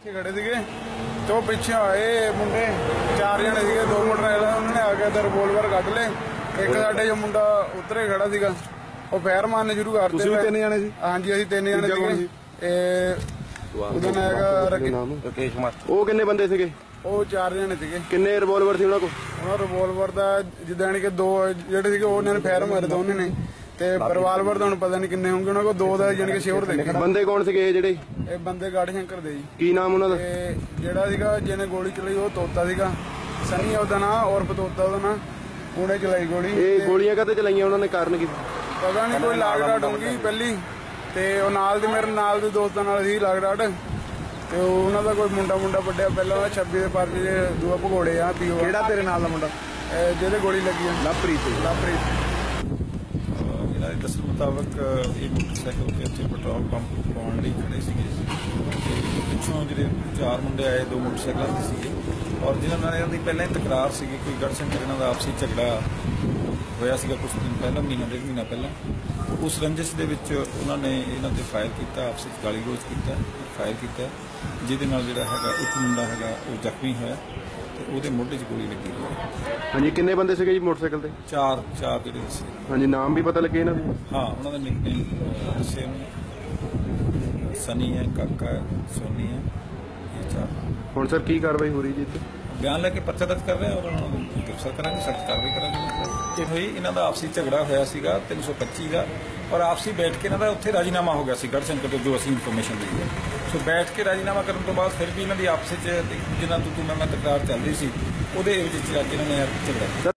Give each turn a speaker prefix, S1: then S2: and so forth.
S1: खड़े थे तो पिछे आए मुंडे 4 जने थे, 2 मोटरसाइकिल उन्होंने आके तो रिवोल्वर कट ले। एक साडे जो मुंडा उतरे खड़ा सीगा ਉਹ ਫੈਰ ਮਾਰਨੇ ਸ਼ੁਰੂ ਕਰਤੇ।
S2: ਤੁਸੀਂ 3 ਜਣੇ ਸੀ?
S1: ਹਾਂਜੀ ਅਸੀਂ 3 ਜਣੇ ਸੀਗੇ। ਉਹਦਾ ਨਾਮ ਹੈਗਾ ਰਕੇਸ਼ ਕੁਮਾਰ।
S2: ਉਹ ਕਿੰਨੇ ਬੰਦੇ ਸੀਗੇ?
S1: ਉਹ 4 ਜਣੇ ਸੀਗੇ।
S2: ਕਿੰਨੇ ਰਿਵੋਲਵਰ ਸੀ ਉਹਨਾਂ ਕੋਲ?
S1: ਉਹਨਾਂ ਰਿਵੋਲਵਰ ਦਾ ਜਿੱਦਾਂ ਕਿ 2 ਜਿਹੜੇ ਸੀਗੇ ਉਹਨਾਂ ਨੇ ਫੈਰ ਮਾਰੇ ਦੋਨੇ ਨੇ, ਤੇ ਰਿਵਾਲਵਰ ਦਾ ਹੁਣ ਪਤਾ ਨਹੀਂ ਕਿੰਨੇ ਹੋਣਗੇ। ਉਹਨਾਂ ਕੋਲ 2 ਦਾ ਜਾਨੀ ਕਿ ਸ਼ੋਰ ਦੇਖੇ।
S2: ਬੰਦੇ ਕੌਣ ਸੀਗੇ ਜਿਹੜੇ?
S1: ਇਹ ਬੰਦੇ ਗਾੜੀ ਸ਼ੰਕਰ ਦੇ ਜੀ।
S2: ਕੀ ਨਾਮ ਉਹਨਾਂ ਦਾ?
S1: ਜਿਹੜਾ ਸੀਗਾ ਜਿਹਨੇ ਗੋਲੀ ਚਲਾਈ ਉਹ ਤੋਤਾ ਸੀਗਾ, ਸਨੀ ਉਹਦਾ ਨਾਂ, ਔਰ ਤੋਤਾ ਉਹਦਾ ਨਾਂ। ਉਹਨੇ ਚਲਾਈ ਗੋਲੀ।
S2: ਇਹ ਗੋਲੀਆਂ ਕਾਹਤੇ ਚਲਾਈਆਂ ਉਹਨਾਂ ਨੇ, ਕਾਰਨ ਕੀ?
S1: ਪਤਾ ਨਹੀਂ, ਕੋਈ ਲਾਗ ਡਾਟ ਹੋਊਗੀ ਪਹਿਲੀ, ਤੇ ਉਹ ਨਾਲ ਦੇ ਮੇਰੇ ਨਾਲ ਦੇ ਦੋਸਤਾਂ ਨਾਲ ਸੀ ਲਾਗ ਡਾਟ, ਤੇ ਉਹਨਾਂ ਦਾ ਕੋਈ ਮੁੰਡਾ ਵੱਡਿਆ ਪਹਿਲਾਂ 26 ਦੇ ਪਰਚੇ ਦੇ ਦੂਆ ਭਗੋੜੇ ਆ ਪੀਓ।
S2: ਕਿਹੜਾ ਤੇਰੇ ਨਾਲ ਦਾ ਮੁੰਡਾ
S1: ਜਿਹਦੇ ਗੋਲੀ ਲੱਗੀ ਆ?
S2: ਲਵਪ੍ਰੀਤ।
S3: ਇਹਨਾਂ ਦੇ ਦੱਸਣ ਮੁਤਾਬਕ ਇਹ ਮੋਟਰਸਾਈਕਲ ਤੇ ਉੱਥੇ ਪੈਟਰੋਲ ਪੰਪ ਪਾਉਣ ਲਈ ਖੜੇ ਸੀਗੇ। ਪਿੱਛੋਂ ਜਿਹੜੇ 4 ਮੁੰਡੇ ਆਏ, 2 ਮੋਟਰਸਾਈਕਲਾਂ ਤੇ ਸੀਗੇ, ਔਰ ਜਿਹਨਾਂ ਨਾਲ ਇਹਨਾਂ ਦੀ ਪਹਿਲਾਂ ਹੀ ਤਕਰਾਰ ਸੀਗੀ। ਕੋਈ ਗੜਸ਼ੰਕਰ ਇਹਨਾਂ ਦਾ ਆਪਸੀ ਝਗੜਾ ਹੋਇਆ ਸੀਗਾ ਕੁਝ ਦਿਨ ਪਹਿਲਾਂ, ਮਹੀਨਾ 1.5 ਮਹੀਨਾ ਪਹਿਲਾਂ। ਉਸ ਰੰਜਿਸ਼ ਦੇ ਵਿੱਚ ਉਹਨਾਂ ਨੇ ਇਹਨਾਂ ਤੇ ਫਾਇਰ ਕੀਤਾ, ਆਪਸੀ ਗਾਲੀ ਗਲੋਚ ਕੀਤਾ, ਫਾਇਰ ਕੀਤਾ, ਜਿਹਦੇ ਨਾਲ ਜਿਹੜਾ ਹੈਗਾ ਇੱਕ ਮੁੰਡਾ ਹੈਗਾ ਉਹ ਜ਼ਖਮੀ ਹੋਇਆ ਤੇ ਉਹਦੇ ਮੋਢੇ 'ਚ ਗੋਲੀ ਲੱਗੀ ਹੋਈ।
S2: ਹਾਂਜੀ, ਕਿੰਨੇ ਬੰਦੇ ਸੀਗੇ ਜੀ ਮੋਟਰਸਾਈਕਲ ਤੇ?
S3: 4 ਜਿਹੜੇ ਸੀ।
S2: ਹਾਂਜੀ, ਨਾਮ ਵੀ ਪਤਾ ਲੱਗੇ ਇਹਨਾਂ ਦੇ?
S3: ਹਾਂ, ਉਹਨਾਂ ਦਾ ਨਿਕਨੇਮ ਦੱਸੇ ਉਹਨੇ, ਸਨੀ ਹੈ, ਕਾਕਾ ਹੈ, ਸੋਨੀ ਹੈ, ਇਹ 4।
S2: ਹੁਣ ਸਰ ਕੀ ਕਾਰਵਾਈ ਹੋ ਰਹੀ ਜੀ ਇੱਥੇ?
S3: ਬਿਆਨ ਲੈ ਕੇ ਪਰਚਾ ਦਰਜ ਕਰ ਰਹੇ ਹਾਂ ਔਰ ਉਹਨਾਂ ਨੂੰ ਗ੍ਰਿਫਤਾਰ ਕਰਾਂਗੇ, ਸਖਤ ਕਾਰਵਾਈ ਕਰਾਂਗੇ। ਇਹ ਹੋਈ ਇਹਨਾਂ ਦਾ ਆਪਸੀ ਝਗੜਾ ਹੋਇਆ ਸੀਗਾ 325 ਦਾ, ਔਰ ਆਪਸੀ ਬੈਠ ਕੇ ਇਹਨਾਂ ਦਾ ਉੱਥੇ ਰਾਜੀਨਾਮਾ ਹੋ ਗਿਆ ਸੀ ਗੜਸ਼ੰਕਰ ਤੋਂ, ਜੋ ਅਸੀਂ ਇਨਫੋਰਮੇਸ਼ਨ ਲਈ ਹੈ। ਸੋ ਬੈਠ ਕੇ ਰਾਜੀਨਾਮਾ ਕਰਨ ਤੋਂ ਬਾਅਦ ਫਿਰ ਵੀ ਇਹਨਾਂ ਦੀ ਆਪਸ ਵਿੱਚ ਜਿਨ੍ਹਾਂ ਤੋਂ ਮੈਂ ਤਕਰਾਰ ਚੱਲ ਰਹੀ ਸੀ, ਉਹਦੇ ਵਿੱਚ ਅੱਜ ਇਹਨਾਂ ਨੇ ਝਗੜਾ